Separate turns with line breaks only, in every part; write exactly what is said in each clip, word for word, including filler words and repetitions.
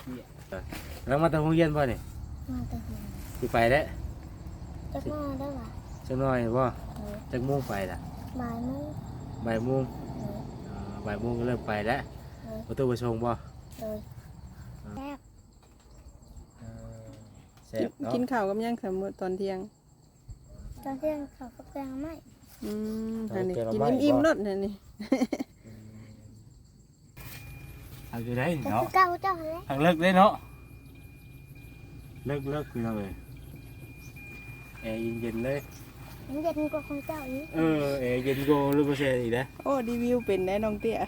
แล้วมาตะหงเย็นป่ะนี่
มาตะหง
สิไปแล้ว
จักมาได้ป่ะ
จักน้อยป่ะจักโมงไปล่ะ
บ่ายโมง
บ่ายโมงบ่ายโมงก็เริ่มไปแล้วประตูประชงป่ะ
เลยแซ่บ
แซ่บเนาะ
กินข้าวกับยังสมมติตอนเที่ยง
ตอนเที่ยงข้าวกับแกงไม่
อืมอันนี้กินอิ่มๆรสนี่
เอาอยู่ได้เนาะ
เก้าเจ้าเลย
ทางเลิกได้เนาะเลิกเลิกคือเราเลยแอร์เย็นๆเลย
เย็นกว่าของเจ้าอีก
เออแอร์เย็นกว่ารูปเสียอีกนะ
โอ้รีวิวเป็นได้น้องเตี้ย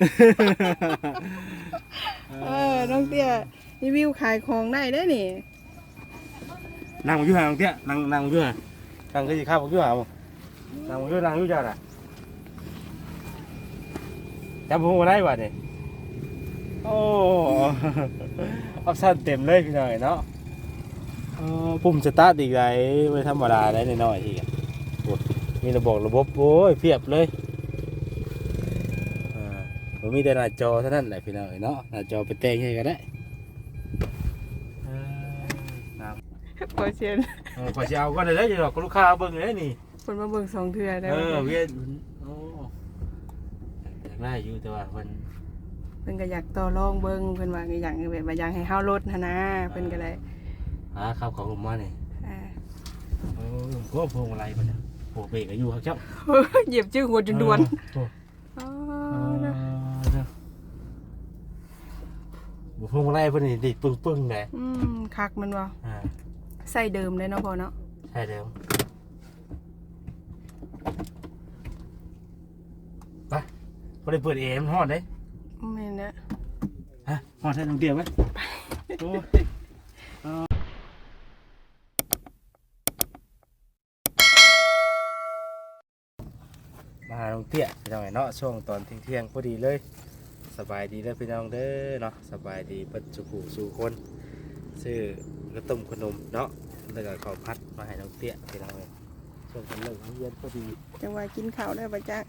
เออน้องเตี้ยรีวิวขายของได้ได้นี่
นั่งอยู่ห่างเตี้ยนั่งนั่งอยู่ห่างนั่งก็จะข้าวอยู่ห่างนั่งอยู่นั่งอยู่จ้าน่ะจำพวกมาได้ป่ะเนี่ยโอ้ออปชั่นเต็มเลยพี่หน่อยเนาะปุ่มสตาร์ทอีกไรไม่ธรรมดาได้หน่อยอีกมีระบบระบบโอ้ยเพียบเลยผมมีแต่หน้าจอเท่านั้นแหละพี่น้อยเนาะหน้าจอไปเตะให้กันได้
พอเชียน
พอเชียวก็ได้เลยจะหลอกลูกค้าเบิ้งเลยนี่
คนมาเบิ้งสองเทื่อได้
เออเวียนโอ้อยากได้อยู่แต่ว่ามัน
เพิ่นก็อยากต่อรองเบิ้งเพิ่นว่าอยากแบบว่าอยากให้เฮาลดนะนะเพิ่นก็ได้
หาข้าวของลงมาเนี่ย
อ่า
โอ้ก็พวงอะไรมันเนี่ยโอ้เบรกอายุครับเจ้า
เหยียบชื่อหัวจนดวน
บุพงอะไรพวกนี้ดิปึ้งปึ้งไง
อืมคักมันวะใส่เดิมเลยเนาะพอเนาะ
ใช่เดิมไปพอได้เปิดเอ็มฮอดเลย
ไม่เนี่ย
ฮะฮอดให้ลงเดียวไหมโอ้มาหาลงเตี้ยพี่น้องเนาะช่วงตอนเที่ยงๆพอดีเลยสบายดีเลยพี่น้องเด้อเนาะสบายดีเปิดสุขุสู่คนซื้อกระต้มขนมเนาะแล้วก็ข้าวผัดมาให้น้องเตี้ยพี่น้องเลยช่วงกันเลิกเย็นพอดี
จังหวะกินข้าวได้ปะจ๊ะ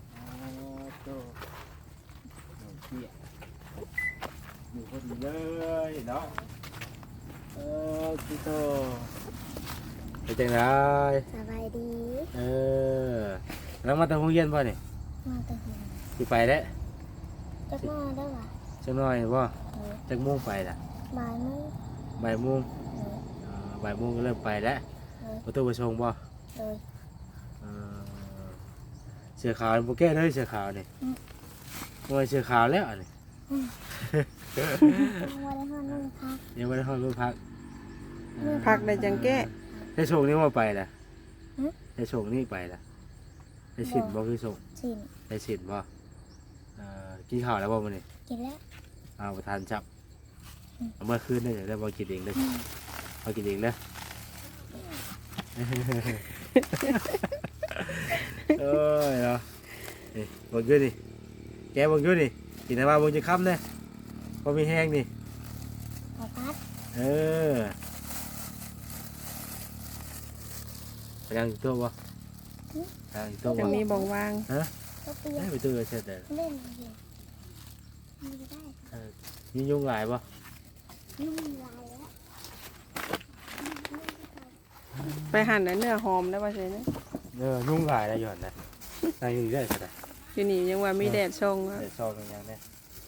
น้องเตี้ยอยู่พอดีเลยเนาะเออพี่โตเป็นจังไร
สบายดี
เออแล้วมาตะหงเย็นป่ะนี่
มาตะหง
สิไปแล้ว
จักมาได้ป่ะ
จักน้อยป่ะจักโมงไปล่ะ
บ่ายโมง
บ่ายโมงบ่ายโมงก็เริ่มไปแล้วประตูประชงป่ะเสือขาวโปแก้เลยเสือขาวนี่โอ้ยเสือขาวแล้วนี่ยังไม่ได้ห้องรุ่นพัก
พักได้จังแก้
ให้ชงนี่มาไปล่ะให้ชงนี่ไปล่ะให้สินบ่คือชงให้สินบ่กินข้าวแล้วบ่มื้อนี้
กินแล้ว
เอาประทานจับเมื่อคืนได้ได้บ่กินเองเลยบ่กินเองนะเอ้ยเนาะนี่บ่กินนี่แกบ่กินนี่กินได้มาบ่จะค่ำเด้บ่มีแห้งนี่
ข้าวผัด
เออไปยังตัวบ่ยังตัวบ่
จะมีบ่งวาง
ฮะได้ไปตัวเสร็จแล้ว
เล่นเลยมีได้
เออมียุงหลายบ่
ยุงหลายแล้ว
ไปหั่นเนื้อหอมได้ป่ะใช่ไหม
เนื้อยุ่งหลายแล้วหย่อนนะนายอยู่ได้ใช่ไหม
อยู่นี่ยังว่ามีแดดช่อง
แดดช่องอย่างนี้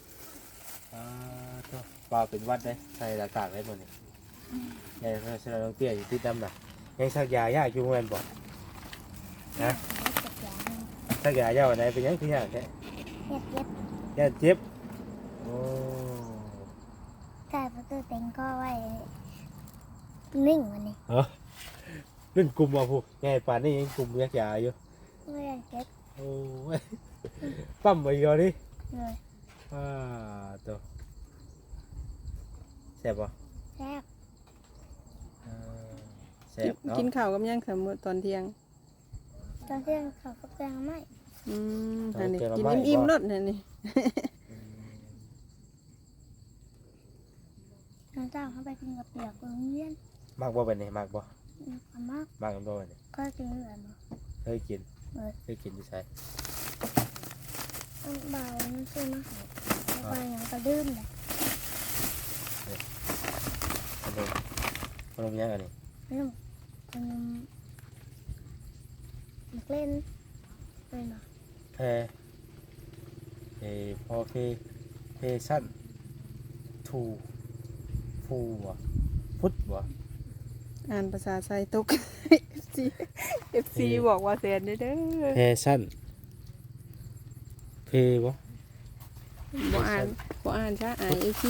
ปลาเป็นวัดเลยใส่หน้ากากได้หมดนี่ไงเพราะฉะนั้นต้องเตี้ยอยู่ที่ดำน่ะยังสักยายากอยู่เงินบ่นะสักยายากวันไหนเป็นยังคือยากแค่
เจ็บ
เจ็บโอ้
ใช่ประตูเต็งก็ไว้นิ่งวันนี้
เออเล่นกลุ่มอ่ะพวกไงป่านนี้ยังกลุ่มยักษ์ใหญ่อยู่
ไม่ได้เจ็บ
โอ้ยปั๊มไปก่อนดิ
เลย
อ่าตัวแซ่บป่ะ
แซ่บ
แซ่บเนาะ
กินข้าวกับยังสมมติตอนเที่ยง
ตอนเที่ยงข้าวกับแกงไม่
อืมอันนี้กินอิ่มๆรสนี่
น้องเจ้าเขาไปกินกับเปียกโรงเรียน
มากบ่เป็นนี่มากบ่
มาก
มากกันบ่เป็นนี่
ก็กินเหลือมั้ง
เคยกินเคยกินที่ใช่
เบาไม่ใช่มากไปอย่างกระดื้มเลย
ขนมยังอันนี้
ขนมขนมมักเล่นเป็นบ่
แพรเอพอเพเพชั่นทูฟูบ่พุทธบ่
อ่านภาษาไทยตก เอฟ ซี เอฟ ซี บอกว่าแสนเด้อเด้อ
เพชั่นเพบ่
บ่อ่านบ่อ่านช้าอายเอฟ ซี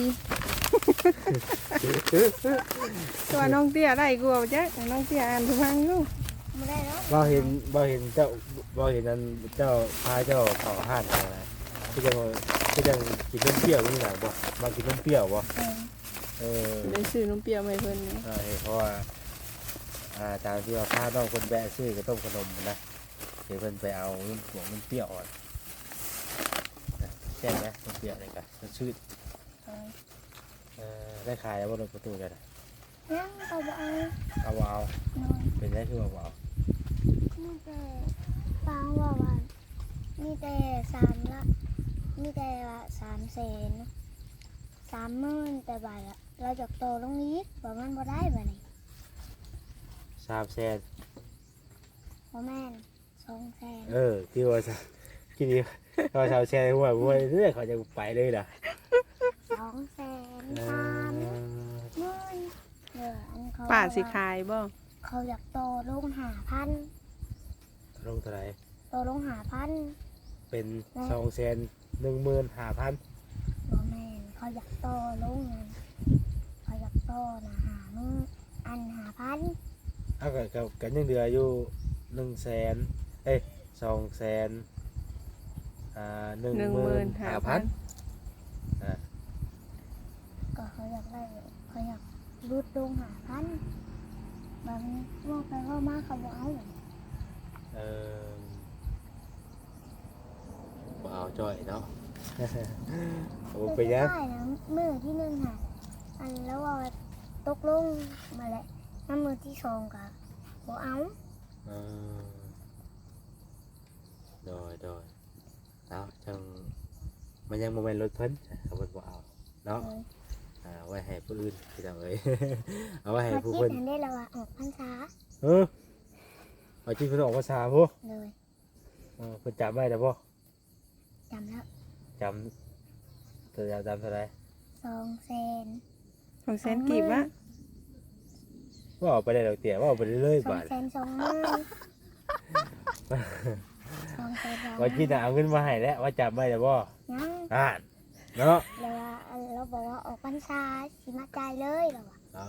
ตัวน้องเตี้ยได้กูเอาจ้ะน้องเตี้ยอ่านทุกฟังอยู่
ไม่ได้แล้ว
บ่เห็นบ่เห็นเจ้าบ่เห็นนั้นเจ้าพาเจ้าเข้าห้านอะไรคือจังคือจังกินนมเปรี้ยวนี่น่ะบ่มากินนมเปรี้ยวบ่
เป็น
เออ
ได้ซื้อนมเปรี้ยวมาให้เพิ่นนะ
ใช่เพราะว่าอ่าตามที่ว่าพาน้องคนแบะซื้อกระต้มขนมนะเดี๋ยวเพิ่นไปเอาน้ำหวงน้ำเปรี้ยวอ่อนนะแจ้งไหมน้ำเปรี้ยวนี่กันมันชื่อ
เป็น
เออได้ขายแล้วบนประตูเลยนะ
ยังก็บ่เอา
เอาบ่เอา
นอน
เป็นได้คือว่าบ่เอา
มีแต่ฟังว่าว่ามีแต่สามละมีแต่ละสามแสนสามหมื่นแต่บาทละเราจะโตตรงนี้บ่มันบ่ได้บ่นี่
สามแสน
บ่แม่นสองแสน
เออที่ว่าจะที่นี่เขาชาวแชร์หัวหัวเรื่อยเขาจะไปเลยล่ะ
สองแสน
เอ
สาม
อ
หมื่นเอออันเขา
ป้าสิ
ว่า
ขายบ่
เขาอยากโตลงหาพัน
ลงเท่าไหร่
โตลงหาพัน
เป็นสองแสนหนึ่งหมื่นห้าพัน
บ่แม่นเขาอยากโตลงนั่นเขาอยากโตนะหามึงอันหาพัน
เอากับกับกันยังเหลืออยู่หนึ่งแสนเอ้ยสองแสนอ่าหนึ่ง
หนึ่ง
ห
ห
มื่
มื่
น
น
ห้า
ห้า
พั
พั
น
น
อ่า
ก็เขาอยากได้เขาอยากรูดลงหาพันบางว่าไปว่ามาเขาบอกเอา
เออบ่เอาจ่อยเนาะ เอาไปยัง
ได้นะมือที่หนึ่งหาอันแล้วว่าตกลงมาแหละน้ำมือที่สองก็บอกเอา
เออโดยโดยเอาจังมันยังโมเมนต์รถเพิ่นเขาเพิ่นบ่เอาเนาะ
เลย
อ่าไว้ให้ผู้อื่นพี่น้องเอ้ย เอาไว้ให้
มา
ผู้
คิด
เพิ่น
อันได้แล้วว่าออกพรรษา
เออเอาจริงเพิ่นออกภาษาบ่
เลย
เออเพิ่นจำไว้ได้บ่
จำแล้ว
จำตัวจำเท่าไหร่
สองแสน
ของแสนกีบวะ
ว่าเอาไปได้ดอกเตี้ยว่าเอาไปเรื่อย
ส
ๆ
อง
บาท
แสนสองหมื่นสองแสนสองห
ว่า
มื่
คิด
น
น่ะเอาเงินมาให้แล้วว่าจำไว้ได้บ่
ยัง
อ่านเนาะ
แล้วว่าเราบอกว่าออกพรรษาสิมาจ่ายเลยแล้วว่า
อ๋อ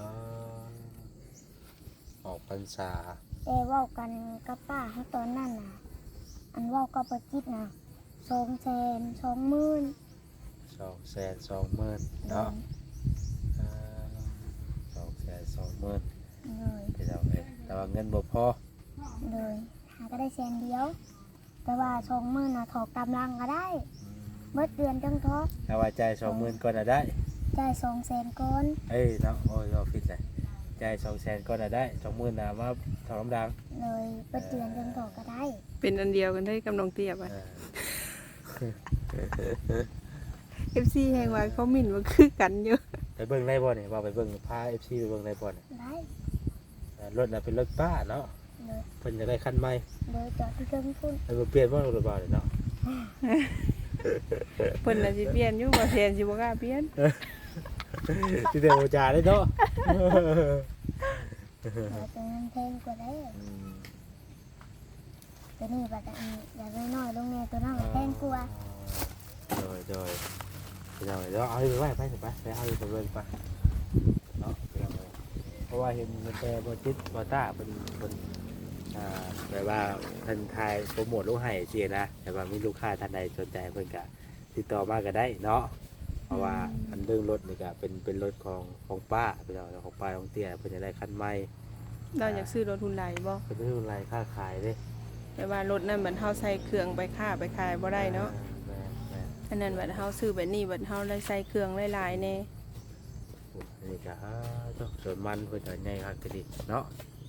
ออกพรรษา
แต่เว่ากันกับป้าให้ตอนนั้นน่ะ อันเว่าก็ประจิตนะสองแสนสองหมื่น
สองแสนสองหมื่นเนาะอ่าสองแสนสองหมื่น
เลย
พี่น้องเอ้ยแต่ว่าเงินบ่พอ
เลยหาก็ได้แสนเดียว แต่ว่าสองหมื่นน่ะถอกกำลังก็ได้เมื่อเดือนจังทอก
ถ้าว่าจ่ายสองหมื่นก่อนน่ะได้
จ่ายสองแสนก่อน
เอ้ยเนาะโอ้ยเราผิดเลยจ่ายสองแสนก่อนน่ะได้สองหมื่นน่ะมาถอนกำลัง
เลยเมื่อเดือนจังถอกก็ได้
เป็นอันเดียวกันได้กำลังเตี้ยไป
เออ
เอฟซีแห่งว่าเขาหมิ่นว่าคือกันอยู่
ไปเบิ่งได้บ่เนี่ยว่าไปเบิ่งพา เอฟ ซี ไปเบิ่งได้บ่เนี่ย
ได้
เออรถน่ะเป็นรถป้าเนาะ
เลย
เพิ่นจะได้คันใหม่
เลยจอดที่เครื่องพุ่น
เออเปลี่ยนบ่รถบ่าวเนี่ยเนาะ
เพิ่นน่ะสิเปลี่ยนอยู่บ่แสนสิบ่กล้าเปลี่ยน
ที่เดียวจ่าได้เนาะ
เราจะเงินแพงกว่าได้
อืม
ตัวนี้บัดอันอยากน้อยๆลงแน่ตัวนั้นก็แพงกว่า
โดยโดยพี่น้องเอ้ยเดี๋ยวเอาไปไว้ไปเถอะไปไปเอาไปเบิ่งไปเนาะพี่น้องเอ้ยเพราะว่าเห็นมันแต่บ่จิตบ่ตาเพิ่นเพิ่นอ่าแบบว่าเพิ่นถ่ายโปรโมทลูกให้สินะแต่ว่ามีลูกค้าท่านใดสนใจเพิ่นก็ติดต่อมาก็ได้เนาะเพราะว่าอันเรื่องรถนี่ก็เป็นเป็นรถของของป้าพี่น้องของป้าของเตี้ยเพิ่นจะได้คันใหม่
เราอยากซื้อรถทุนใดบ่
เพิ่นเป็นอะไรค่าขายเด้
แต่ว่ารถนั้นเหมือนเฮาใส่เครื่องไปค้าไปขายบ่ได้เนาะ
แม่แม่
อันนั้นบัดเฮาซื้อแบบนี้บัดเฮาได้ใส่เครื่องหลายๆแน่
อันนี้ก็ฮะเจ้าสวนมันเพิ่นก็ใหญ่คักก็ดีเนาะ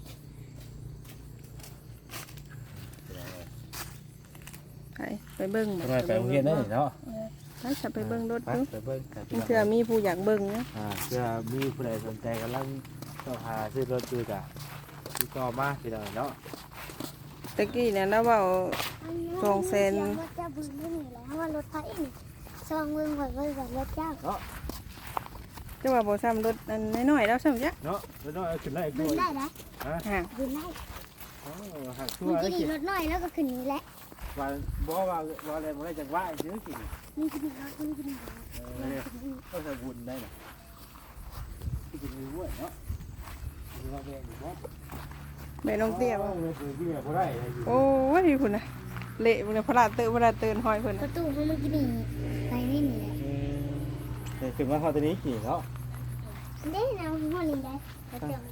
ไปไปเบิ่ง
ทำไมไปโรงเรียนได้เนาะ
เลย
ไปจะไปเบิ่งรถ
ไป
ดู
ไปเบิ่งกัน
เพื่อมีผู้อยากเบิ่งนะ
อ่าเพื่อมีผู้ใดสนใจกำลังต้องหาซื้อรถอยู่จ้ะที่ต่อมาพี่น้องเนาะ
ตะกี้เนี่ยแล้วเว้า สองแสน
รถเจ้าบึ้งไม่มีแล้วว่ารถไฟนี่ซองเมืองข่อยไว้ว่ารถเจ้า
เนาะ
จะว่าบ่ซ้ำรถอันน้อยๆแล้วซ้ำจ้ะ
เนาะรถน้อยเอาขึ้นไล่
บึ้
ด้
ง
วย
ได้นะ
ฮะ
ฮะ
บึ้งได้
อ๋อหักชั่ว
มัน
แล้
จะ
ว
ดี
กิน
รถน้อยแล้วก็ขึ้นนี้แหละ
ว่าบ่ว่าว่าอะไรบ่ได้จังว่าซื้อกิน
มันจะดีรถมันจะดีรถ
เออก็จะบุญได้น่ะที่กินมื้อเนาะคือว่าแม่อยู่บ่
แม่น้องเตี้ยบ่
เออคือที่บ่ได้อยู่
โอ้ยพุ่นน่ะเละพุ่นน่ะพระราชเตอพระราชเตือนห้อยเพิ่น
ป
น่ะ
ระตูมันมันจะดีไปนี่นี่แหละ
เออถึงว่าเขาตัวนี้ขี่เนาะ
ได้นะหัวลิงได้กระจก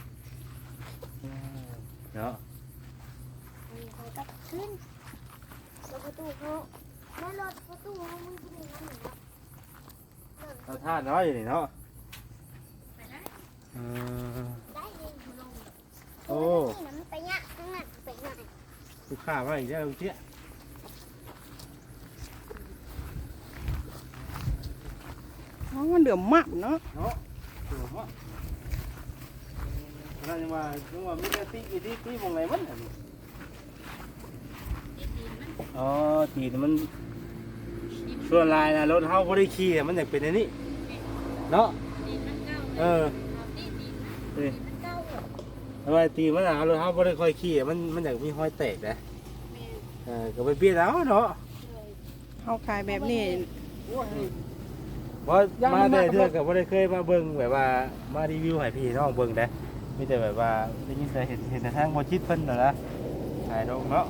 เนาะ
เขาก็ขึ้นประตูเขาแล้วรถประตูเขามันจะดีนั่นแหละ
เราท่าน้อยอยู่นี่เนาะเออ
ได้เองลง
โอ้
นี่นะมันไปยะข้างหน้าไปหน่อย
ลูกค้าว่าอีกแล้วลูกเจี๊ย
อ๋อมันเดือมมากเนาะ
เนาะถูกมั้ยนั่นยังว่ายังว่ามีแต่ตีอีตีตีมองไหนมันอันนี้อ๋อตีนมันส่วนลายนะรถเฮาบ่ได้ขี่มันอยากเป็นอันนี้เนาะเออนี่เอาไว้ตีมันน่ะรถเฮาบ่ได้ค่อยขี่มันมันอยากมีห้อยแตกนะเออก็ไปเปลี่ยนเอาเนาะ
เฮาขายแบบนี้
บ่มาได้เทื่อก็บ่ได้เคยมาเบิ่งแบบว่ามารีวิวให้พี่น้องเบิ่งเด้มีแต่แบบว่าได้ยินแต่เห็นเห็นแต่ทางบ่ชิดเพิ่นน่ะนะขายดอกเนาะ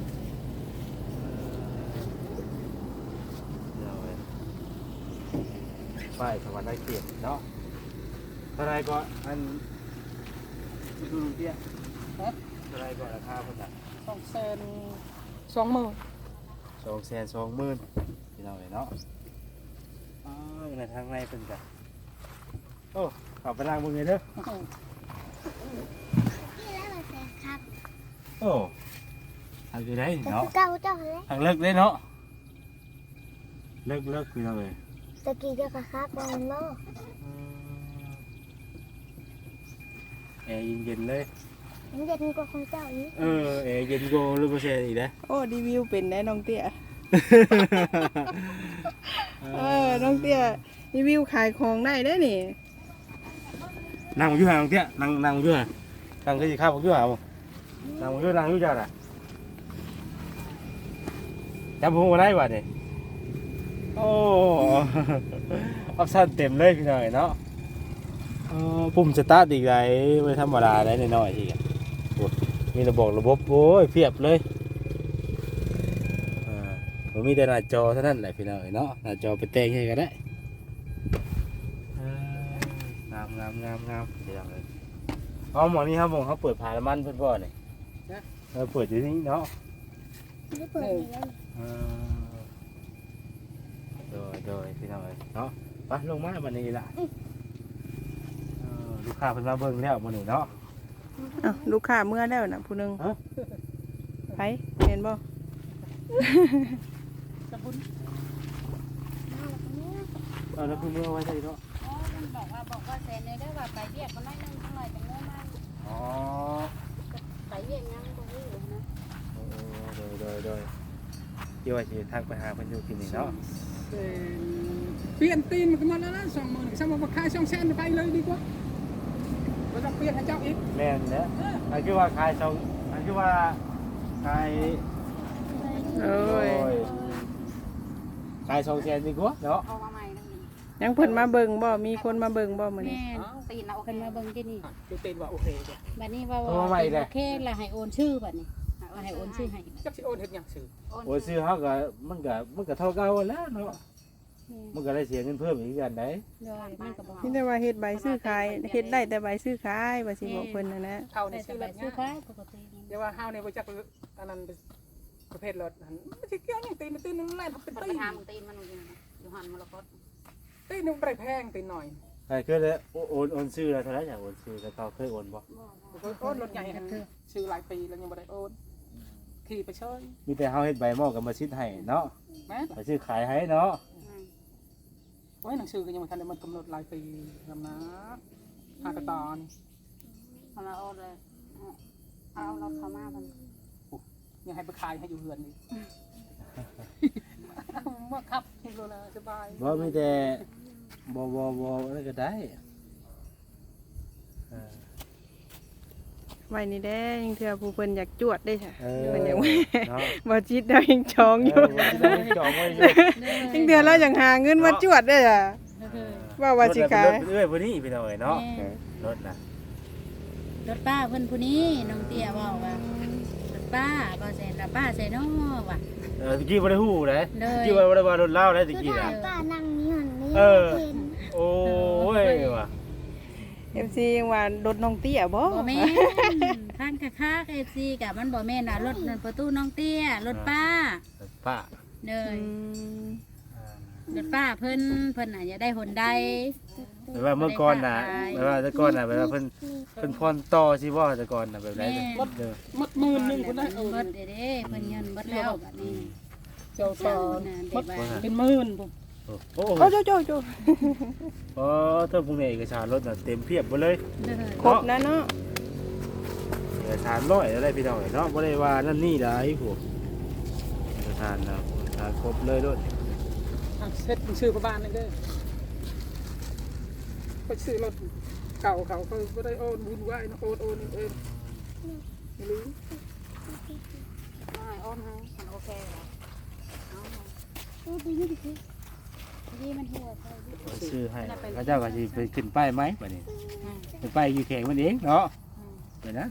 ป้ายสวรรค์เกียรติเนาะเท่าไรก็อันดูเตี้ยฮะเท่าไรก็ราคาเพิ่นน่ะ
สองแสนสองหมื่น
สองแสนสองหมื่นพี่น้องเอ้ยเนาะอ๋อในทางในเพิ่นจ้ะโอ้เขับไปล้างมือเลยเด้อ
นี่แล้วเราแซงครับ
โอ้ทางอยู่ไหน
แต่
เนาะ
คือเก่าเจ้าเลย
ทางเลิกเลยเนาะเลิกเลิกพี่น้องเอ้ย
ตะกี้เจ้าก็ครับบอลโล
แอร์เย็นๆเลย
มันเด็ดกว่าของเจ้าอีก
เออแอร์เย็นโกรูปเปอร์เซ็นต์อีกนะ
โอ้รีวิวเป็นได้น้องเตี้ยเออน้องเตี้ยรีวิวขายของได้ได้อนี่
นั่งอยู่ห่างเตี้ยนั่งนั่งอยู่ห่างนั่งก็จะข้าวอยู่ห่างนั่งอยู่นั่งอยู่จ้าน่ะจำผมมาได้บ่เนี่ยโอ้ออปชั่นเต็มเลยพี่น้อยเนาะเออปุ่มสตาร์ทอีกไรไม่ธรรมดาได้น้อยๆอีกอ่ะโอ้มีระบบระบบโอ้ยเพียบเลยอ่าผมมีแต่หน้าจอเท่านั้นแหละพี่น้อยเนาะหน้าจอไปแต่งให้ก็ได้เอองามงามงามงามเดี๋ยวเลยอ๋อหมอนี่ครับผมเขาเปิดผ่านมันเพื่อนพ่อเนี่ยเราเปิดอยู่ที่นี่เนาะ
ไม่ได้เปิดเลย
เออโดยโดยพี่น้องเอ้ยเนาะไปลงมาบันนี้ล่ะเออลูกค้าเพิ่นมาเบิ่งแล้วมื้อนี้เนาะ
อ้าวลูกค้าเมื่อแล้วน่ะผู้หนึง
ฮะ
ไปเห็นบ่
เออแล้วคือเมื่อไว้ใช่เนาะ
อ๋อมันบอกว่าบอกว่าเซนเลยได้ว่าไปเรียกมันได้นึงเท่าไหร่จังเลยมัน
อ๋อ
ไปเรียกยังบ่รู้นะ
เออโดยโดยโดยเดี๋ยวว่าสิทักไปหาเพิ่นอยู่ที่นี่เนาะ
เปลี่ยนตีนมันก็มาแล้วนะสองหมื่นสมมติว่าขายสองแสนไปเลยดีกว่าเราจะเปลี่ยนให้เจ้าอีก
แม่นเด้ออันคือว่าขายสองอันคือว่าขาย
โอ้ย
ขายสองแสนดีกว่าเนาะ
เอามาใหม่นั่นนี่
ยังเพิ่นมาเบิ่งบ่มีคนมาเบิ่งบ่มื้อนี้
แม่ตีนเอาขึ้นมาเบิ่งที่นี่
ดูตีนว่าโอเคจ้ะ
บัดนี้ว่าว่าโอเคแล้วให้โอนชื่อบัดนี้ว่าให้โอนชื่อให้
จักสิโอนเฮ็ดหยังซื้อ
โอ้ซื้อเฮาก็มันก็มันก็เท่าเก่าแล้วเนาะมันก็ได้เสียเงินเพิ่มอีกกันได้
เดี๋ยวมันก็บอก
มีแต่ว่าเฮ็ดใบซื้อขายเฮ็ดได้แต่ใบซื้อขายว่าสิบอกเพิ่นน่ะนะ
เท่า
แต่
นี้
ส
ซื้อร
บาย
ถ
ซื้อ
เนี่ย
ค้าปกติ
เดี๋ยวว่าเฮาเนี่ยบ่จักอันนั้นเป็นประเภทรถหันมันสิเกี่ยวหยังตีนตีนนึงแล่นเป็น
มัน
ตี
ไป
น
ทำตีนมันอยู่นะอยู่หันมรกต
ตีนนึงบ่ได้แพงตีนหน่อย
ไอ้คือเลยโอนโอนซื้อแล้วเท่าไหร่อยากโอนซื้อแต่เขาเคยโอนบ่
โอนรถใหญ่หันคือซื้อหลายปีแล้วยังบ่ได้โอนขี่ไปเชย
มีแต่เฮาเฮ็ดใบหม้อกับมาชิดให้เนาะ
แม่
ไปซื้อขายให้เนาะ
โอ้ยหนังสือก็ยังบ่ทันได้มันกำหนดหลายปีนำนะหากระตอน
อ
เอามาโอนเลยเอารถเข้ามาบัน
ยังให้ไปขายให้อยู่เฮือนนี่เมื่อขับที่โลนาสบาย
บ่มีแต่บ่บ่บ่อะไรก็ได้เออ
ไว้นี่แด้ยังเถื่อผู้เพิ่นอยากจวดได้ค่ะ
เออ
เพิ่นอยากว่า
เนาะ
บ่จิตเรายังชองอยู่
เออบ่ได้จองไว้อยู่
ยังเถื่อเราอยากหาเงินมาจวดได้อ่ะว่าว่าสิขาย
รถเอ้ยผู้นี้พี่น้องเอ้ยเนาะรถน่ะ
รถป้าเพิ่นผู้นี้น้องเตี้ยบอกว่ารถป้าป้าแสนรับป้าใส่น้อว่ะ
เออตะกี้บ่ได้ฮู้เด้
เลย
ตะกี้บ่ได้ว่ารถเล่าได้ตะ
คือ
กี้
ถ้า
น่ะ
ป้านั่งนี่หันนี่
เออ
เห็น
โอ้ยว่ะ
เอฟซียังว่ารถน้องเตี้ยบ่
บ่แม่นข้างคักๆ เอฟ ซี กะมันบ่แม่นน่ะรถนั่นประตูน้องเตี้ยรถป้า
ป้า
เล
อื
ย
ม
รถป้าเพิ่นเพิ่นน่ะจะได้หนใด
แปลว่าเมื่อก่อนน่ะแปลว่าแต่ก่อนน่ะแปลว่าเพิ่นเพิ่นพรต่อสิบ่แต่ก่อนน่ะแบบไรเด้อ
มัดหมื่นหนึ่งคนได้เออ
เบิดเด้เด้เพิ่นเงินเบิดแล้วบัดนี้
เจ้าสอน
น่ะ
มั
ได้
ด
ว่า
เป็นหมื่นผม
โอ้
โอ้โจโจโจ
โอ้เธอพวกนี้เอกสารรถน่ะเต็มเพียบหมดเลย
เด้อ
ครบนะเนาะ
เอกสารร้อยอะไรพี่น้องเนาะบ่ได้ว่านั่นนี่ได้พวกเอกสารน่ะเอกสารครบเลยรถ
เซ็ตซื้อประบานนั่นเด้อไปซื้อรถเก่าเขาเขาก็ได้โอนบุญไหวนะโอนโอนเองไม่รู้
ไม่โอนให้มันโอเคเหรอเอา
ดูดีดีดี
ดีมันหัวใส่ดิ
ซื้อให้พระเจ้าก็สิไปขึ้นป้ายไหมบัดนี้เป็นป้ายอยู่แข่งมันเองเนาะเดี๋ยวนั้น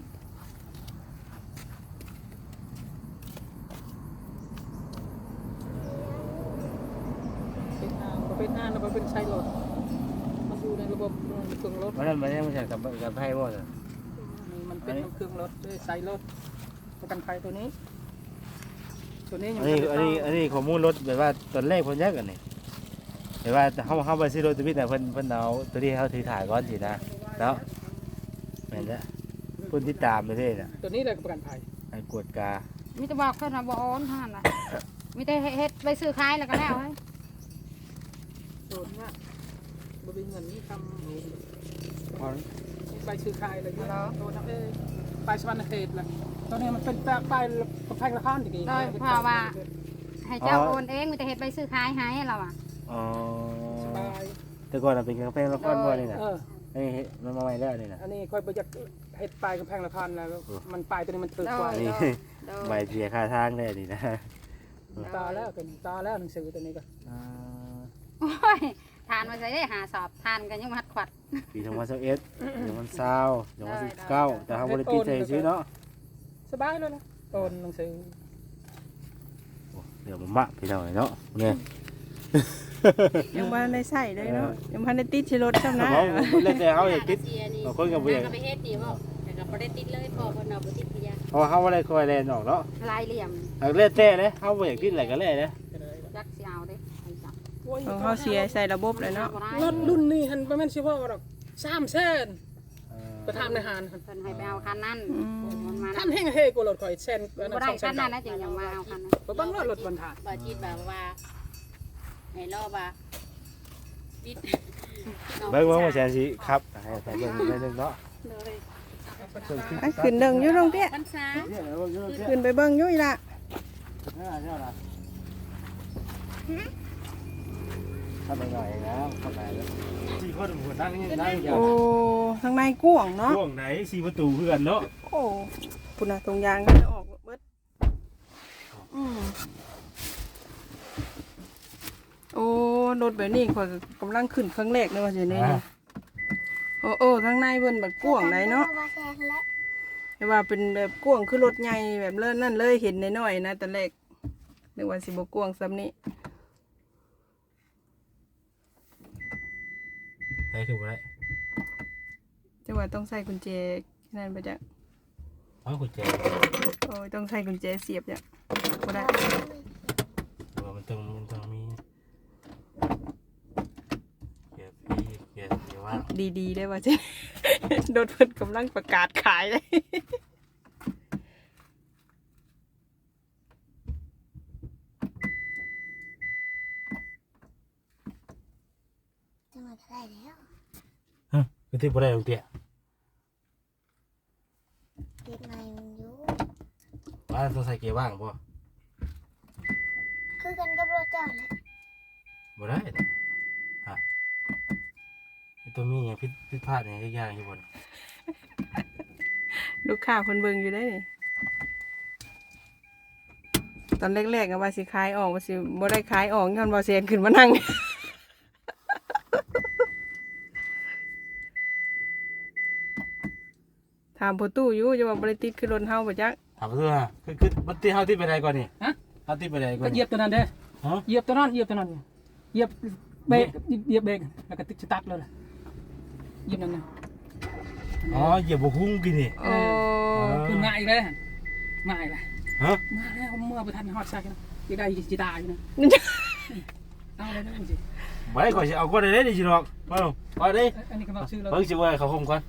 เป็นงานก็เป็นงานแล้วก็เป็นใช้รถมันอยู่ในระบบเครื่องรถ
วันนั้นมันยังไม่ใช่กับกับไพ่บ่จ้ะ
มันเป็นเครื่องรถด้วยใช้รถประกันภัยตัวนี้ ตัวนี้ยั
อั
ง
นนี้
ไม่
อัน
ได้
นี้อันนี้ข้อมูลรถแบบว่าตอนแรกเพิ่นแยกกันนี่แบบว่าเฮาเฮาไปซื้อรถตัวนี้แต่เพิ่นเพิ่นเอาตัวที่เฮาถือถ่ายก่อนสินะเนาะแม่นจ้ะเพิ่นติดตามไปเรื่อยน่ะ
ตัวนี้เลยประกันภัย
ให้กวดกา
มีแต่บอกเพิ่นน่ะบ่โอนเท่านั้นน่ะมีแต่เฮ็ดไปซื้อขายแล้วก็แล้วเฮ้ย
โดนว่าบริเงินนี่ท
พอ
ำใบซื้อขายอะไรเงี้ยโดนนะเอ้ยไปสวรรณเขตแหละตัวนี้มันเป็นแปลไปประพันธ์ละครอย่างงี้
โดยเพราะว่าให้เจ้าโอนเองมีแต่เฮ็ดไปซื้อขายให้เราอ่ะ
อ๋อ
สบาย
แต่ก่อนน่ะเป็นกาแฟละครบ่นี่น่ะ
เออ
อันนี้มันมาใหม่แล้วนี่น่ะ
อันนี้ค่อยไปจากเห็ดปลายกำแพงละครแล้ว มันปลายตัวนี้มันตึกกว่า
อันนี้ใบเสียค่าทางได้นี่นะ
ตาแล้วกันตาแล้วหนังสือตัวนี้ก็
อ่า
โอ้ยทานมาใส่ได้หาสอบทานกันยังมัดขวัด
ปีสองพันสิบเอ็ดสองพันยี่สิบ สองพันสิบเก้าแต่เฮาบ่ได้ปิดใจซื้อเนาะ
สบายเลยนะโอนหนังสือ
โอ้เดี๋ยวมันมะพี่น้องเนาะเนี่ย
ยังบ่ได้ใส่เลยเนาะยังบ่ได้ติดชิรถซ้ำนะ
เขาเล่นแต่เขาอยากติด บางคนก็บ่อยาก
ไปเฮ็ดดีบ่แต่ก็บ่ได้ติดเลยพอเพิ่นเอาบ่ติดพยา
เพราะเขาบ่ได้คอยแลนออกเนาะ
ลายเหลี่ยม
หากเล่นแต่เลยเขาบ่อยากติดอะไรก็เล่นนะ
ยักสิเอาเด้ให้จับ
ของเขาเสียใส่ระบบเลยเนาะ
รถรุ่นนี้หันประมาณสิบว่าหรอกสามแสนไปทำในหาน
เพิ่นให้ไปเอาคันนั้นมันมา
ท่านเฮงเฮกูรถข่อยแสน
บ่ได้
สองแส
คั
น
นนั้นนะจึงยังมาเอาคันนั้น
บ้านว่ารถบรรทัด
บ่จิตแบบว่าให้รอว่าติด
เบิ่งว่าแซนสิครับให้ไปเบิ่งไปนึงเนาะ
เลย
ไปขึ้นเดิงอยู่ตรงเตี้ย
พรรษา
เนี่ยเบิ่งอยู่เนี่ย
ขึ้นไปเบิ่งอยู่อีละ
เนี่ยนะทำยังไงนะเข้าไปแล้วสี่คนหัวนั่งนี่นั่งอย่าง
โอ้ทางในกว้างเนาะ
ช่วงไหนสี่ประตูเพื่อนเนาะ
โอ้พุ่นน่ะตรงยางก็จะออกเบิดอืมโอ้รถแบบนี้ข่อยก็กำลังขึ้นครั้งแรกเลยว่าสิเนี่ยโอ้โอ้ทางในเพิ่นบัดกว้างไหนเนาะ
ว่าแซงและ
แต่ว่าเป็นแบบกว้างคือรถใหญ่แบบเลิ่นนั่นเลยเห็นน้อยๆนะแต่แรกนึกว่าสิบ่กว้างซ้ำนี้
ไหนคือบ่ได้
จังว่าต้องใส่กุญแจนั่นไปจ้ะ
เอากุญแจ
โอ้ยต้องใส่กุญแจเสียบจ้ะบ่ได้
ว่ามันต้องมันต้องมีเกียร์พี่เกียร์เกียร์ว่าง
ดีๆได้ว่าจ้ะ โดนเพิ่นกำลังประกาศขายเลย
จังหวัดอะไรแล้ว
ฮะคือที่บ่ได้ลงเตี้ย
ติดในมันอยู่
ว่าต้องใส่เกียร์ว่างบ่
คือกันกับรถเจ้าแหละ
บ่ได้นะฮะไอ้ตัวมีอย่างผิดผิดพลาดอย่างทุกอย่างอยู่บน
ลูกค้าเพิ่นเบิ่งอยู่ได้นี่ตอนแรกๆก็ว่าสิขายออกว่าสิบ่ได้ขายออกย้อนบ่เซียนขึ้นมานั่ง ถามพ่อตู้อยู่จะว่าบ่ได้ติดคือรถเฮาบ่จัก
ถามเพื่อคือคือมันตีเฮาที่ไปไหนก่อนนี่
ฮะ
เฮาที่ไปไหนก่อ
ก็
น
เหยียบตัวนั้นเด้อ
ฮะ
เหยียบตัวนั้นเหยียบตัวนั้นเหยียบเบรกเหยียบเบรกแล้วก็ติดสตาร์ทเลยล่ะเหยียบนั่นน่ะ
อ๋อเหยียบบ่คุ้งกินนี่
โอ้
ขึ้นมาอีกแล้วหั่นมาอีกแล้ว
ฮะ
มาแล้วเมื่อบ่ทันฮอดซักนะสิได้สิตายอยู่นะเอาเลยนะจริง
บ่ได้ก่อนสิเอาก่อนได้ดิสิดอกมาลงเอาดิ
ๆอันนี้ก็บอกชื่อเรา
เพิ่งสิว่าให้เขาคมก่อน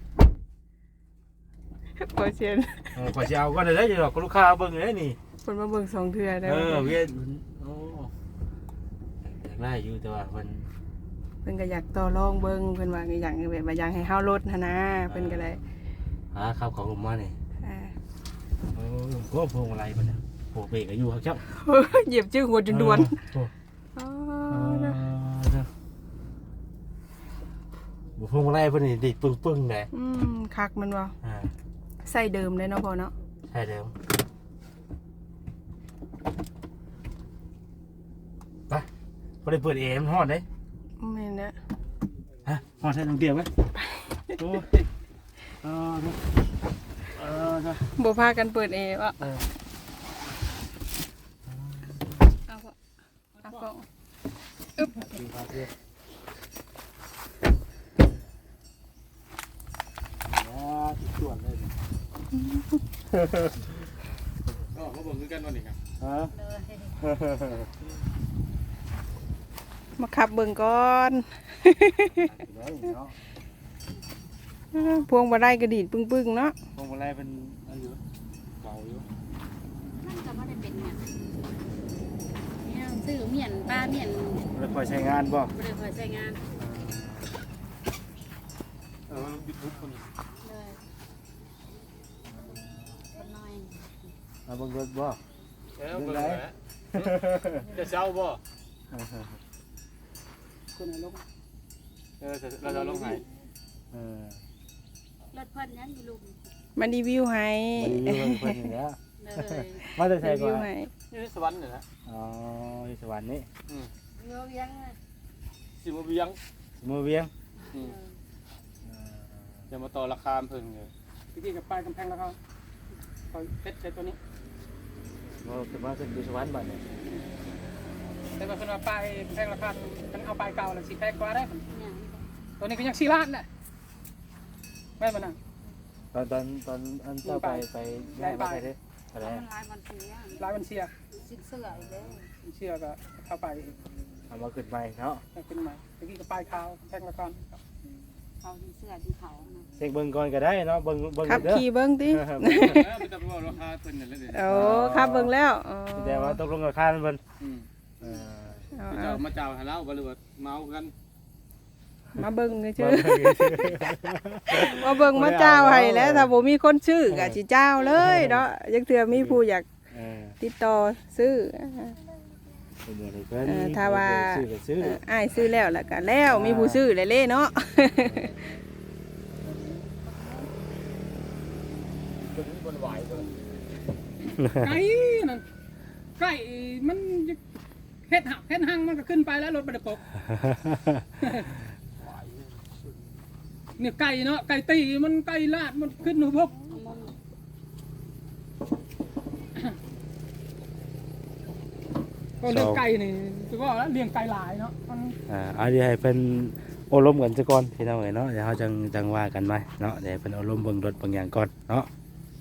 บ่เซียน
เออก่อนสิเอาก่อนได้ดิดอกก็ลูกค้าเบิ่งได้นี่
เพิ่นมาเบิ่งสองเทื่อได้
เอ
บ่
อเวียนโอ้อยากได้อยู่แต่ว่าเพิ่น
เพิ่นก็อยากต่อรองเบิ่งเพิ่นว่าก็อยากแบบว่าอยากให้เฮาลดหันนะเพิ่นก็เลย
หาข้าวของผมมานี่
อ่า
เออก็พวงมาลัยเพิ่นน่ะโอ้เบรกก็อยู่ครับเจ้า
เหยียบชื่อหัวจนด่วน
โอ้
อ๋อ
เออ
นะ
เด้อบ่พวงมาลัยเพิ่นนี่ดิดปึ้งๆแหละ
อืมคักมันว่า
อ่า
ใส่เดิมเลยเนาะพ่อเนาะ
ใช่เดิมไปบ่ได้เปิดแอร์มันร้อนเด้
แม่นนะ
ฮะร้อนใส่น้องเดียวไหมโอ้ยเออเด้อเออเด้อ
บ่พากันเปิดแอร์วะ
เออ
เอาพ่อเอาพ่อ
ดีครับเด้ออ๋อที่ส่วนเลยเนี่ย
ก็มาเบิ่งคือกันวันนี้ครับ
ฮะ
มาขับเบิ่งก่อน
ได้เนาะ
พวงบ่ได้กระดีดปึ้งๆเนาะ
พวงมาลัยเป็นอันอยู่เก่าอยู่
มันก็บ่ได้เป็นหยังเนี่ยซื้อเมียนป้าเมียน
แล้วคอยใช้งานบ่
บ่ได้คอยใช้งาน
เออยูทูบคนนี้
เลยคนน้อย
เอาเบิ่งรถบ่
เออเบิ่งแล้วจะเช้าบ่
คนไหนลง
เออเราจะลงไหน
เออ
รถเพิ่นยังอยู่ลุม
มารีวิวให้
มารีวิวเพิ่นนี่แหละ
เลย
มาจะใช้
รี
ก่
วิ
อ
วน ให้
นี่สวรรค์เนี่ยนะ
อ๋อที่สวรรค์นี่
เงายังอะ
สิมาเบียง
มือเวียง
อืมจะมาต่อราคาเพิ่นเลย
ตะกี้กับป้ายกำแพงแล้วเขาเขาเพชรใช้ตัวนี้
บ่ขึ้นมาขึ้นที่สวรรค์บัดนี้
แต่ว่าเพิ่นว่าป้ายกำแพงราคามันเอาป้ายเก่าแล้วสิแพงกว่าได้
เนี่ย
ตัวนี้ก็ยังสี่ล้านแหละแม่นบ่นั่น
ตอนตอนตอนอันเจ้าไปไปย้ายไปเด้ออะไร
มันหลายวันเสีย
หลายวันเสีย
สิเสื้ออีกเด้อ
เชื่อก็เข้าไป
เอามาขึ้นใหม่เนาะ
ขึ้นมาตะกี้กับป้ายขาวแพงราคา
เขาสิเสื้อที่เขานะ
เช็คเบิ่งก่อนก็ได้เนาะเบิ่งเบิ่ง
ขับ
เด้อ
ขี่เบิ่งติ
เออ
เออไม่ต้องบอกราคาเพิ่นนั่นแหละเด้
โอ้ขับเบิ่งแล้วอ๋อ
แต่ว่าตกลงราคามันเพิ่น
อืม
เออ
เอา
จะ
เอา
มาเจ้าให้เราบ่หรือว่าเมากัน
มาเบิ่งชื่อ
เบิ่งซื่อ
มาเบิ่งมาเจ้าให้แล้วถ้าบ่มีคนซื้อก็สิเจ้าเลยเนาะยังเทื่อมีผู้อยาก
เออ
ติดต่อซื้อ
เป็นบ่ได้เพิ่น
เออถ้าว่า
ซื้อก็ซื้อ
เอออ้ายซื้อแล้วแล้วก็แล้วมีผู้ซื้อเลยเล่เนาะ
ไก่นั่นไก่มันเฮ็ดหักเฮ็ดหังมันก็ขึ้นไปแล้วรถบ่ได้ปกเนี่ยไก่เนาะไก่ตีมันไก่ลาดมันขึ้นหูพบก็เลี้ยงไก่นี่คือว่าแล้วเลี้ยงไก่หลายเนาะมัน
อ่าเอาเดี๋ยวให้เพิ่นโอลมกันซะก่อนพี่น้องเอ้ยเนาะเดี๋ยวเฮาจังจังว่ากันใหม่เนาะเดี๋ยวให้เพิ่นโอลมเบิ่งรถบางอย่างก่อนเนาะ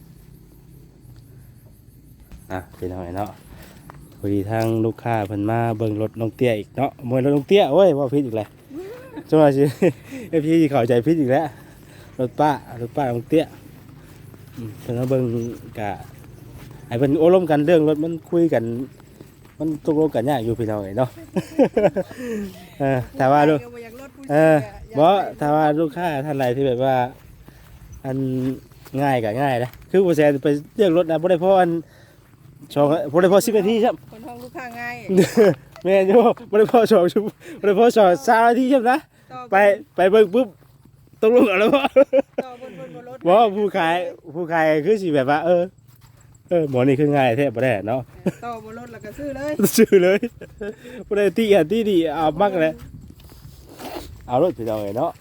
อ่ะพี่น้องเอ้ยเนาะพอดีทางลูกค้าเพิ่นมาเบิ่งรถน้องเตี้ยอีกเนาะมวยรถน้องเตี้ยโอ้ยว่าผิดอีกแล้วจังว่าสิ เอฟซีเข้าใจผิดอีกแล้วรถป้ารถป้าน้องเตี้ยอืมเพิ่นมาเบิ่งกะให้เพิ่นโอลมกันเรื่องรถมันคุยกันมันตกลงกันยากอยู่พี่น้องเอ้ยเนาะ เออแต่ว่าลูก เออบ่ถ้าว่าลูกค้าท่านใดที่แบบว่า อันง่ายก็ง่ายนะคือบ่แซนไปเลือกรถนะบ่ได้พออันสองบ่ได้พอสิบนาทีครับ
คนห้องลูกค้าง่าย
แม่นอยู่บ่ได้พอสองชั่วโมงบ่ได้พอสองสามนาทีครับนะ
ต่อ
ไปไปเบิ่งปุ๊บตกลงเอาแล้วบ่
ต่อบนบนบนรถ
บ่ผู้ขายผู้ขายคือสิแบบว่าเออเออหมอนี่คือง่ายแท้บ่ได้เนาะ
ต่อบนรถแล้วก็ซื้อเลย
ซื้อเลยบ่ได้ติอันที่ดีเอามักเลยเอารถพี่น้องเอ้ยเนาะ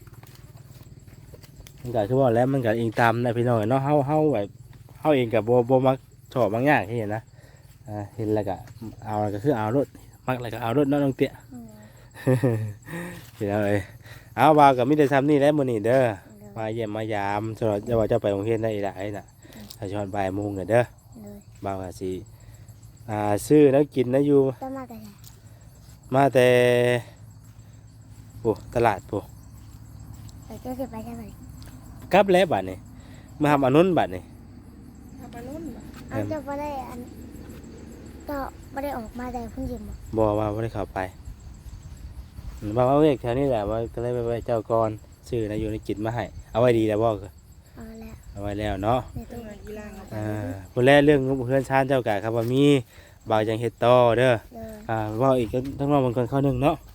มันก็คือว่าแล้วมันก็อิงตามนะพี่น้องเอ้ยเนาะเฮาเฮาแบบเฮาเองก็บ่บ่มักชอบบางอย่างที่เห็นนะอ่าเห็นแล้วก็เอาแล้วก็คือเอารถมักแล้วก็เอารถเนาะน้องเตี้ย พี่น้องเอ้ยเอาว่าก็มีแต่ซ้ำนี่แหละมื้อนี้เด้อมาเยี่ยมมายามสำหรับจะว่าจะไปโรงเรียนได้อีหลายน่ะถ้าชอนบ่ายโมงเนี่ยเด้อ
เลย
บ่าวก็สิอ่าซื้อแล้วกินนะอยู่
ต้องมาแต่ไหน
มาแต่โอ้ตลาดโอ้
ไปเจ้าจะไปใช่ไหม
กลับแล้วบัดนี้มาทำอันนู้นบัดนี้
ทำปลานุ่นบ่
เอาเจะไม่ได้อันก็ไม่ได้ออกมาแต่เพิ่งยิ้มบอก
บ่ว่าบ่ได้เข้าไปบ่าวเอาเอกแถวนี้แหละว่าก็เลยไปไว้เจ้าก่อนซื้อนะอยู่ในกินมาให้เอาไว้ดีแล้วบ่ก็
เอาแล้ว
เอาไว้แล้วเนาะ
ใน
ต้
ตู้
องกีฬางเอาไป
อ่าผู้แรกเรื่องเพื่อนชานเจ้ากะครับว่ามีบ่าวจังเฮ็ดต่อเด้อ
เลย
อ่าเว่าอีกก็ทั้งน้องบางคนเข้าหนึ่งเนาะ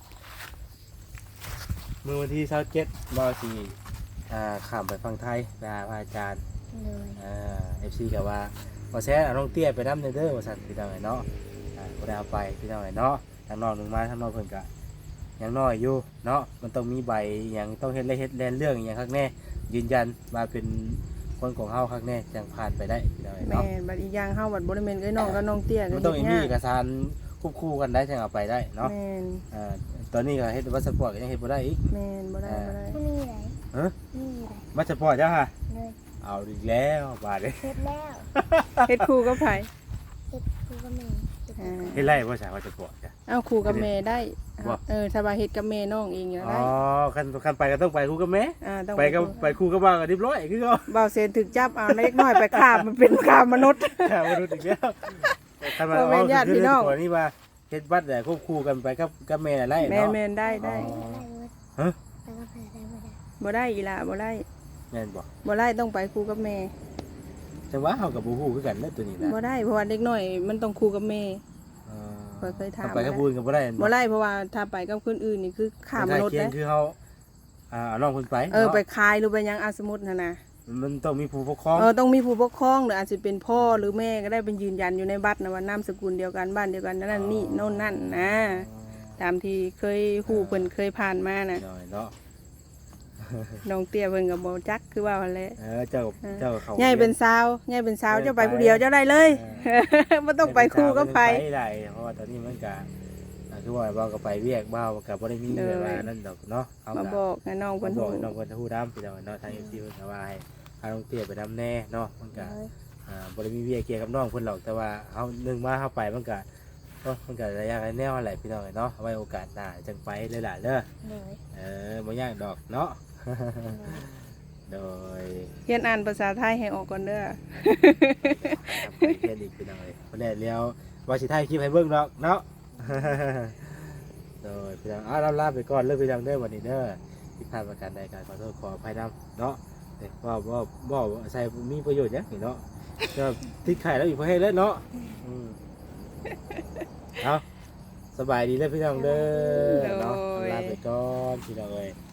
มื้อวันที่ยี่สิบเจ็ดบ่าวสิอ่าข้ามไปฝั่งไทยไปหาพระอาจารย์
เลย
อ่า เอฟ ซี ก็ว่าบ่แซ่เอาน้องเตี้ยไปนำเด้อว่าซั่นพี่น้องไอ้เนาะอ่าบ่ได้เอาไปพี่น้องไอ้เนาะทางน้องหนึงมาทางน้องเพิ่นก็ยังน้อยอยู่เนาะมันต้องมีใบอหยังต้องเฮ็ดเลยเฮ็ดแลนเรื่องอหยังคักแน่ยืนยันว่าเป็นคนของเฮาคักแน่จังผ่านไปได้พี่น้องไอ้
แม่
เนาะ
บัดอีกอย่างเฮาบัดบ่ได้แม่นเอ้ยน้องกับน้องเตี้ย
มันต้องมีเอกสารควบคู่กันได้จังเอาไปได้เนาะ
แม่น
อ่าตอนนี้ก็เฮ็ดวัสปอร์ตก็ยังเฮ็ดบ่ได้อีก
แม่นบ่ได้บ่ได้
ไม่มีไหน
ฮะ
ไม่มีไหน
วัสปอร์ตจ้าค่ะ
เลย
เอาอีกแล้วบาดนี้
เสร็จแล้ว
เฮ็ดคู่กับไผ
เสร็จครูก็มีเสร็จ
อ่า
เฮ็ดไรบ่ใช่วัสปอร์ตจ้ะ
เอาคู่กับแม่ได้
บ่
เออถ้าว่าเฮ็ดกับแม่น้องเองก็
อ๋อ
ได้
คันคันไปก็ต้องไปคู่กับแม่
อ่าต้อง
ไปกับไปคู่กับบ้านก็เรียบร้อยคือเขา
บ่าวเซนถึกจับเอาเล็กน้อยไปฆ่ามันเป็นฆ่ามนุษย์
ค่ะมนุษย์อีกแล้วคันมา
บ่แม่นญาติพี่น้อง
คือนี่ว่าเฮ็ดบัตรแต่ควบคู่กันไปกับกับแม่อะไร
แม่น
เนาะ
แม่นได้ได้
ได้เลย
ฮะ
ไปก็ไปได้ไม่ได้
บ่ได้อีหล่ะบ่ได้
แม่นบ่
บ่ได้ต้องไปคู่กับแม่
จังว่าเฮากับบ่ฮู้คือกันเด้อตัวนี้นะ
บ่ได้เพราะว่าเด็กน้อยมันต้องคู่กับแม่
เออ
ข้อยเคยถาม
ไปกับผู้อื่นก็บ่ได้
บ่ได้เพราะว่าถ้าไปกับคนอื่นนี่คือฆ่ามนุษย์
เคีย
นะ
งคือเฮาอ่าเอาน้องเพิ่นไป
เออ
นาะ
ไปคายหรือไปหยังอาสมมุติหั่นน่ะ
มันต้องมีผู้ปกครอง
เออต้องมีผู้ปกครองหรืออาจจะเป็นพ่อหรือแม่ก็ได้เป็นยืนยันอยู่ในบัตรนะว่านามสกุลเดียวกันบ้านเดียวกันนั่นนี่โน่นนั่นนะตามที่เคยฮู้เพิ่นเคยผ่านมาน่ะ
หน่อยเนาะ
น้องเตี้ยเพิ่นก็บ่จักคือว่าหั่นแหละ
เออเจ้าเจ้าเขา
ใหญ่เป็นสาวใหญ่เป็นสาวเจ้าไปผู้เดียวเจ้าได้เลยบ่ต้องไปคู่กับไผ
ไปได้เพราะว่าตอนนี้มันก็อ่าคือว่าบ่าวก็ไปเวียกบ่าวก็บ่ได้มีแบบว่านั่นดอกเนาะเอา
มา
ก็
บอกให้น้อง
เพิ่
เพิ่
น
น
บอ
ฮู้
กน้องเพิ่นฮู้ดำพี่น้องเนาะทาง เอฟ ซี เพิ่นก็ว่าให้พาน้องเตี้ยไปดำแน่เนาะมันก็
เลย
อ่าบ่ได้มีเวียกเกี่ยวกับน้องเพิ่นหรอกแต่ว่าเฮานึงมาเฮาไปมันก็เนาะมันก็ระยะแนวแหละพี่น้องเนาะเอาไว้โอกาสหน้าจังไปเลยล่ะเด้อ
เลย
เออบ่ยากดอกเนาะ โดย
เรียนอ่านภาษาไทยให้ออกก่อนเด้อ
ไปเรียนอีกพี่น้องเลยวันแรกแล้วว่าสิถ่ายคลิปให้เบิ่งดอกเนาะ โดยพี่น้องอ้าวลาไปก่อนเลิกพี่น้องเด้อวันนี้เด้อที่พลาดประการใดการขอโทษขออภัยนำเนาะแต่ว่าว่าว่าใส่มีประโยชน์เนี่ยเนาะก็ติดไข่แล้วอีกพอให้แล้วเนาะอืมเอาสบายดีเลยพี่น้องเด้อเนาะลาไปก่อนพี่น้องเอ้ย